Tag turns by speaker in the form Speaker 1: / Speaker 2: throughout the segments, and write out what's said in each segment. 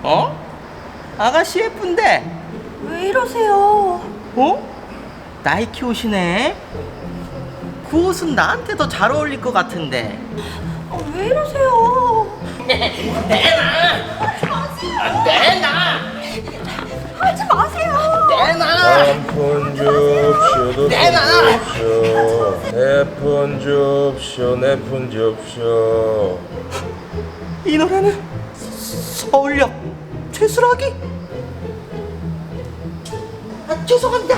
Speaker 1: 어? 아가씨 예쁜데?
Speaker 2: 왜 이러세요?
Speaker 1: 어? 나이키 옷이네? 그 옷은 나한테 더 잘 어울릴 것 같은데.
Speaker 2: 왜 이러세요? 하지 마세요.
Speaker 3: 한푼 줍쇼 두푼 줍쇼 네푼 줍쇼 네푼 줍쇼.
Speaker 1: 이 노래는 서울역 최수락이? 아, 죄송합니다.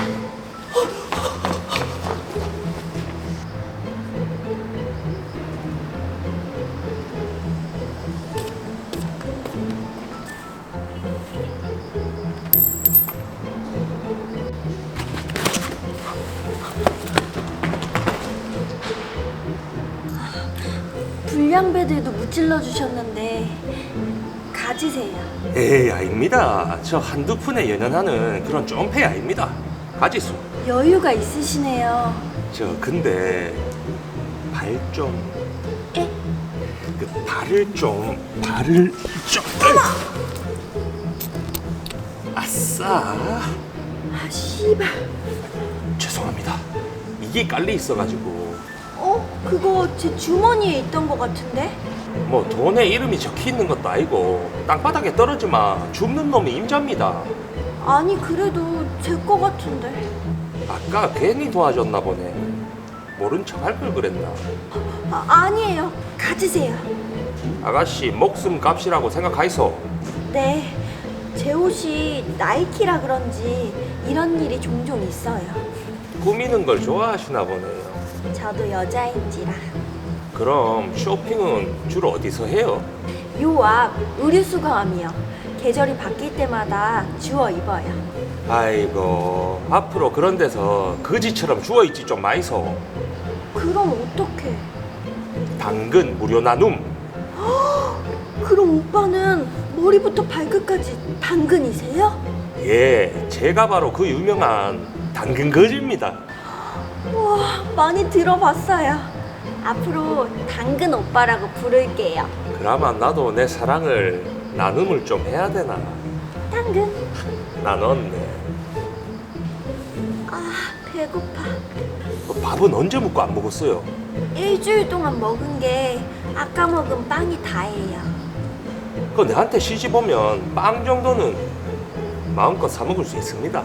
Speaker 2: 불량배들도 무찔러 주셨는데 가지세요.
Speaker 3: 에이 아닙니다. 저 한두 푼에 연연하는 그런 쫌페이 아닙니다. 가지수.
Speaker 2: 여유가 있으시네요.
Speaker 3: 저 근데 발 좀.
Speaker 2: 에?
Speaker 3: 그 발을 좀. 아싸.
Speaker 2: 아 씨발.
Speaker 3: 죄송합니다. 이게 깔려 있어가지고.
Speaker 2: 그거 제 주머니에 있던 것 같은데?
Speaker 3: 뭐 돈에 이름이 적혀 있는 것도 아니고 땅바닥에 떨어지마 줍는 놈이 임자입니다.
Speaker 2: 아니 그래도 제 거 같은데.
Speaker 3: 아까 괜히 도와줬나 보네. 모른 척 할 걸 그랬나.
Speaker 2: 아니에요. 가지세요.
Speaker 3: 아가씨 목숨 값이라고 생각하이소.
Speaker 2: 네. 제 옷이 나이키라 그런지 이런 일이 종종 있어요.
Speaker 3: 꾸미는 걸 좋아하시나 보네요.
Speaker 2: 저도 여자인지라.
Speaker 3: 그럼 쇼핑은 주로 어디서 해요?
Speaker 2: 요 앞 의류수거함이요. 계절이 바뀔 때마다 주워 입어요.
Speaker 3: 아이고 앞으로 그런 데서 거지처럼 주워있지 좀 마이소.
Speaker 2: 그럼 어떡해?
Speaker 3: 당근 무료 나눔.
Speaker 2: 그럼 오빠는 머리부터 발끝까지 당근이세요?
Speaker 3: 예, 제가 바로 그 유명한 당근 거지입니다.
Speaker 2: 우와, 많이 들어봤어요. 앞으로 당근 오빠라고 부를게요.
Speaker 3: 그나마 나도 내 사랑을 나눔을 좀 해야 되나.
Speaker 2: 당근.
Speaker 3: 나눴네.
Speaker 2: 아, 배고파.
Speaker 3: 밥은 언제 먹고 안 먹었어요?
Speaker 2: 일주일 동안 먹은 게 아까 먹은 빵이 다예요.
Speaker 3: 그거 내한테 시집 오면 빵 정도는 마음껏 사 먹을 수 있습니다.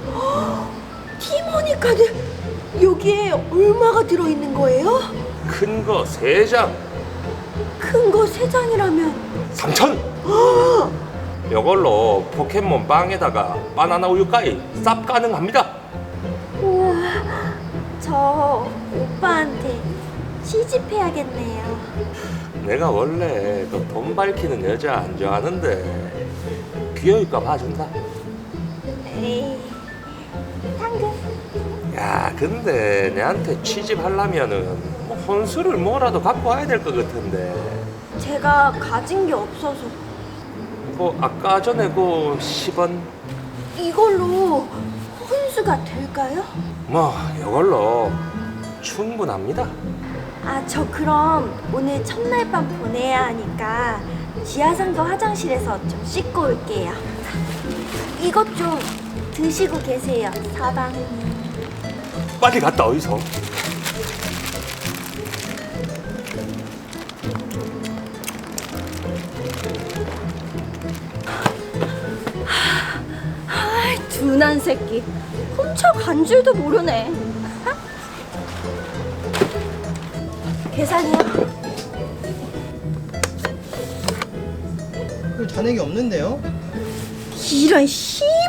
Speaker 2: 티모니 카드 여기에 얼마가 들어있는 거예요?
Speaker 3: 큰 거 3장
Speaker 2: 큰 거 3장이라면
Speaker 3: 3,000. 이걸로 포켓몬 빵에다가 바나나 우유까지 쌉 가능합니다.
Speaker 2: 우와, 저 오빠한테 시집해야겠네요.
Speaker 3: 내가 원래 그 돈 밝히는 여자 안 좋아하는데 귀여울까 봐준다.
Speaker 2: 에이, 당근.
Speaker 3: 야 근데 내한테 취집하려면은 뭐 혼수를 뭐라도 갖고 와야 될 것 같은데.
Speaker 2: 제가 가진 게 없어서
Speaker 3: 뭐 아까 전에 그 10원
Speaker 2: 이걸로 혼수가 될까요?
Speaker 3: 뭐 이걸로 충분합니다.
Speaker 2: 아, 저 그럼 오늘 첫날 밤 보내야 하니까 지하상가 화장실에서 좀 씻고 올게요. 이것 좀 드시고 계세요, 사방님.
Speaker 3: 빨리 갔다 어디서?
Speaker 2: 둔한 새끼. 훔쳐간 줄도 모르네. 계산이요.
Speaker 1: 잔액이 없는데요?
Speaker 2: 이런 씨발.